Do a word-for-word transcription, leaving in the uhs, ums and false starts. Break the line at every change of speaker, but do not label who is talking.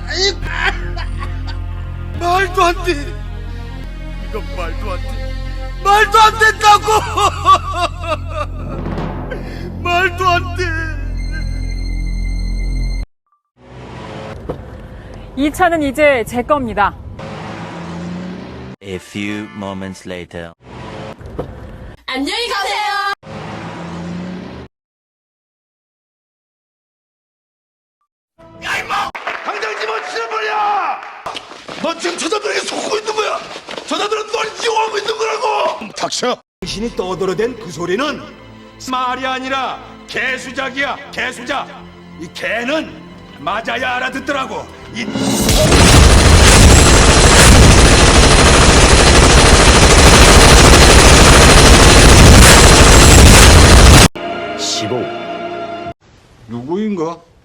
말도 안 돼. 이건 말도 안 돼. 말도 안 된다고. 말도 안 돼.
이 차는 이제 제 겁니다.
A few moments later.
안녕히 가세요.
야 임마! 당장 집어치워버려! 너 지금 저자들에게 속고 있는 거야! 저자들은 널 이용하고 있는 거라고! 닥쳐! 당신이 떠들어댄 그 소리는 말이 아니라 개수작이야, 개수작! 이 개는 맞아야 알아듣더라고! 이...
십오.
누구인가?